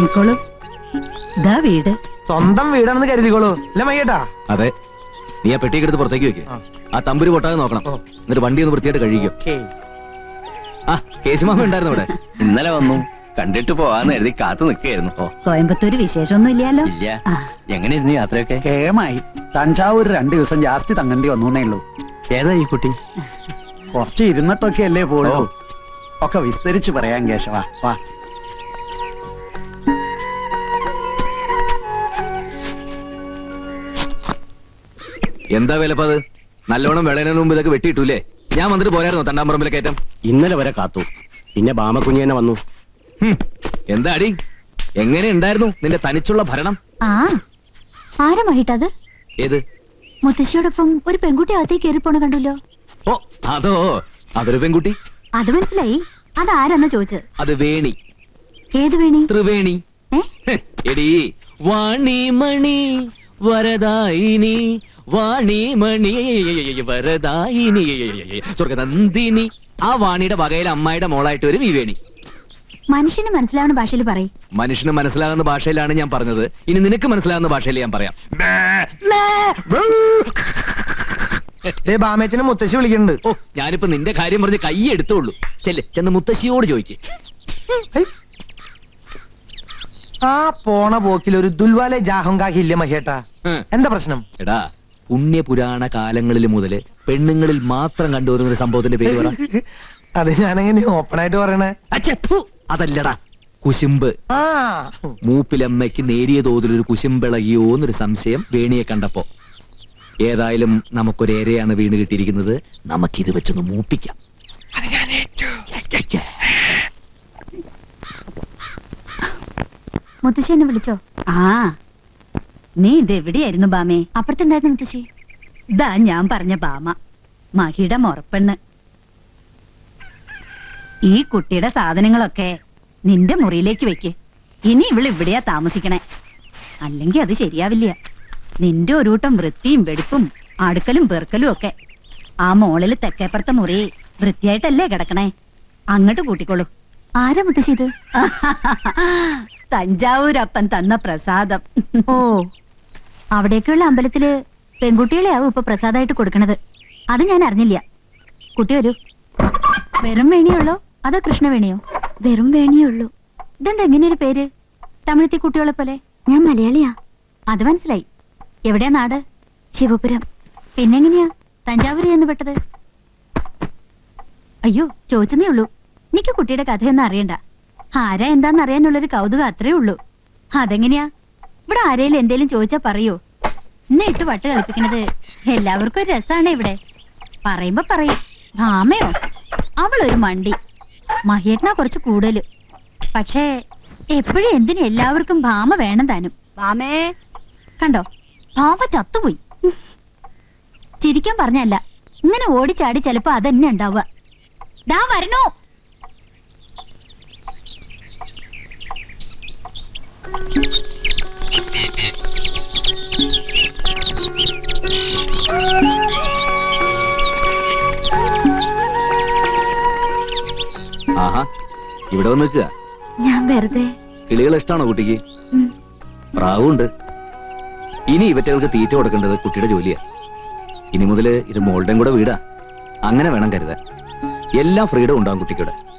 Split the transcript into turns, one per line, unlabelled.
ഇറങ്ങിക്കോളൂ. ഇതാ വീട്.
സ്വന്തം വീടാണെന്ന് കരുതിക്കോളൂ അല്ലേ മയ്യേട്ടാ?
അതെ. നീ ആ പെട്ടിയൊക്കെ എടുത്ത് പുറത്തേക്ക് വെക്ക്. ആ തമ്പുരി പൊട്ടാതെ നോക്കണം. എന്നിട്ട് വണ്ടി ഒന്ന് വൃത്തിയായിട്ട് കഴിക്കും. ആ കേശുമാമ ഉണ്ടായിരുന്നു ഇവിടെ.
ഇന്നലെ വന്നു, കണ്ടിട്ട് പോവാന്ന് എഴുതി കാത്തു നിൽക്കായിരുന്നു.
കോയമ്പത്തൂര് വിശേഷമൊന്നും ഇല്ലല്ലോ.
ഇല്ല. എങ്ങനെയായിരുന്നു യാത്രയൊക്കെ?
കേമായി. തഞ്ചാവൂർ 2 ദിവസം ജാസ്തി തങ്ങേണ്ടി വന്നേ ഉള്ളൂ.
ഏതാ ഈ കുട്ടി?
കുറച്ച് ഇരുന്നിട്ടൊക്കെ അല്ലേ പോളൂ. ഒക്കെ വിസ്തരിച്ച് പറയാൻ കേശവ. വാ.
എന്താ വിലപ്പത്? നല്ലോണം വിളയുന്നതിന് മുമ്പ് ഇതൊക്കെ വെട്ടിയിട്ടൂലേ? ഞാൻ വന്നിട്ട് പോരായിരുന്നു തണ്ടാമ്പറമ്പിലെ കയറ്റം.
ഇന്നലെ വരെ കാത്തു, പിന്നെ ബാമക്കുഞ്ഞി തന്നെ വന്നു.
എന്താ അടി, എങ്ങനെ ഉണ്ടായിരുന്നു നിന്റെ തനിച്ചുള്ള ഭരണം?
ആരാ മഹിട്ടത്?
ഏത്?
മുത്തശ്ശിയോടൊപ്പം ഒരു പെൺകുട്ടി അകത്തേക്ക് കയറി പോണ കണ്ടല്ലോ.
ഓ അതോ, അതൊരു പെൺകുട്ടി.
അത് മനസ്സിലായി. അതാരെന്നാ ചോദിച്ചത്?
അത് വേണി.
ഏത് വേണി?
ത്രിവേണി. എടി വാണിമണി വരദായിനി, വാണിമണി വരദായിനി സ്വർഗനന്ദിനി. ആ വാണിയുടെ വകയിൽ അമ്മായിയുടെ മോളായിട്ട് വരും ഈ വേണി.
മനുഷ്യന് മനസ്സിലാവുന്ന ഭാഷയിൽ പറയും.
മനുഷ്യന് മനസ്സിലാകുന്ന ഭാഷയിലാണ് ഞാൻ പറഞ്ഞത്. ഇനി നിനക്ക് മനസ്സിലാകുന്ന ഭാഷയിൽ ഞാൻ പറയാം.
ബാമേച്ചനെ മുത്തശ്ശി വിളിക്കുന്നുണ്ട്.
ഓ, ഞാനിപ്പോ നിന്റെ കാര്യം പറഞ്ഞ് കൈ എടുത്തോളൂ. ചെന്ന് മുത്തശ്ശിയോട് ചോദിക്ക്.
ആ പോണ പോക്കിൽ ഒരു ദുൽവാലെ ജാഹങ്കാഹി ഇല്ല മഹേട്ടാ? എന്താ പ്രശ്നം?
എടാ, പുണ്യപുരാണ കാലങ്ങളിൽ മുതല് പെണ്ണുങ്ങളിൽ മാത്രം കണ്ടുവരുന്ന ഒരു സംഭവത്തിന്റെ പേര് പറ.
അത് ഞാനെങ്ങനെ ഓപ്പൺ ആയിട്ട് പറയണേ?
അതല്ലടാ, കുശുമ്പ്. മൂപ്പിലമ്മയ്ക്ക് നേരിയ തോതിലൊരു കുശുമ്പിളകിയോന്നൊരു സംശയം വേണിയെ കണ്ടപ്പോ. ഏതായാലും നമുക്കൊരു ഏരയാണ് വീണ് കിട്ടിയിരിക്കുന്നത്. നമുക്കിത് വെച്ചൊന്ന് മൂപ്പിക്കാം.
മുത്തശ്ശി എന്നെ വിളിച്ചോ?
നീ ഇതെവിടെയായിരുന്നു ബാമേ?
അപ്പുറത്തുണ്ടായിരുന്നു മുത്തശ്ശി.
ഇതാ ഞാൻ പറഞ്ഞ ബാമ, മഹിയുടെ മുറപ്പെണ്ണ്. ഈ കുട്ടിയുടെ സാധനങ്ങളൊക്കെ നിന്റെ മുറിയിലേക്ക് വെക്ക്. ഇനി ഇവിടെയാ താമസിക്കണേ. അല്ലെങ്കിൽ അത് ശരിയാവില്ല. നിന്റെ ഒരു കൂട്ടം വൃത്തിയും വെടിപ്പും അടുക്കലും പെറുക്കലും ഒക്കെ. ആ മോളില് തെക്കേപ്പുറത്തെ മുറി വൃത്തിയായിട്ടല്ലേ കിടക്കണേ? അങ്ങോട്ട് കൂട്ടിക്കോളൂ.
ആരാ മുത്തശ്ശി ഇത്?
തഞ്ചാവൂരപ്പൻ തന്ന പ്രസാദം.
ഓ, അവിടേക്കുള്ള അമ്പലത്തില് പെൺകുട്ടികളെ ആവും ഇപ്പൊ പ്രസാദമായിട്ട് കൊടുക്കണത്. അത് ഞാൻ അറിഞ്ഞില്ല. കുട്ടി വരൂ. വെറും വേണിയുള്ളോ അതോ കൃഷ്ണവേണിയോ? വെറും വേണിയുള്ളൂ. ഇതെന്താ എങ്ങനെയൊരു പേര്? തമിഴത്തി കുട്ടികളെ പോലെ. ഞാൻ മലയാളിയാ. അത് മനസ്സിലായി. എവിടെയാ നാട്? ശിവപുരം. പിന്നെങ്ങനെയാ തഞ്ചാവൂര് എന്ന് പെട്ടത്? അയ്യോ, ചോദിച്ചതേ ഉള്ളൂ. എനിക്ക് കുട്ടിയുടെ കഥയൊന്നും അറിയണ്ട. ആരാ എന്താന്ന് അറിയാനുള്ളൊരു കൗതുകം അത്രേ ഉള്ളൂ. അതെങ്ങനെയാ? ഇവിടെ ആരേലും എന്തേലും ചോദിച്ചാ പറയൂ. എന്നെ ഇട്ട് വട്ട് കളിപ്പിക്കണത് എല്ലാവർക്കും ഒരു രസാണ്. ഇവിടെ പറയുമ്പോ പറയും ഭാമയോ, അവളൊരു മണ്ടി. മഹേട്ടനാ കുറച്ച് കൂടുതല്. പക്ഷേ എപ്പോഴും എന്തിനും എല്ലാവർക്കും ഭാമ വേണം താനും.
ബാമേ,
കണ്ടോ, ഭാമ ചത്തുപോയി. ചിരിക്കാൻ പറഞ്ഞല്ല, ഇങ്ങനെ ഓടിച്ചാടി ചിലപ്പോ അതന്നെ ഉണ്ടാവുക. ദാ വരണോ.
ആഹാ, ഇവിടെ വന്ന് നിൽക്കുക.
ഞാൻ വെറുതെ.
കിളികൾ ഇഷ്ടമാണോ കുട്ടിക്ക്? പ്രാവുണ്ട്. ഇനി ഇവറ്റകൾക്ക് തീറ്റ കൊടുക്കേണ്ടത് കുട്ടിയുടെ ജോലിയാ. ഇനി മുതല് ഇത് മോളുടെയും കൂടെ വീടാ. അങ്ങനെ വേണം കരുതാൻ. എല്ലാ ഫ്രീഡം ഉണ്ടാവും കുട്ടിക്കൂടെ.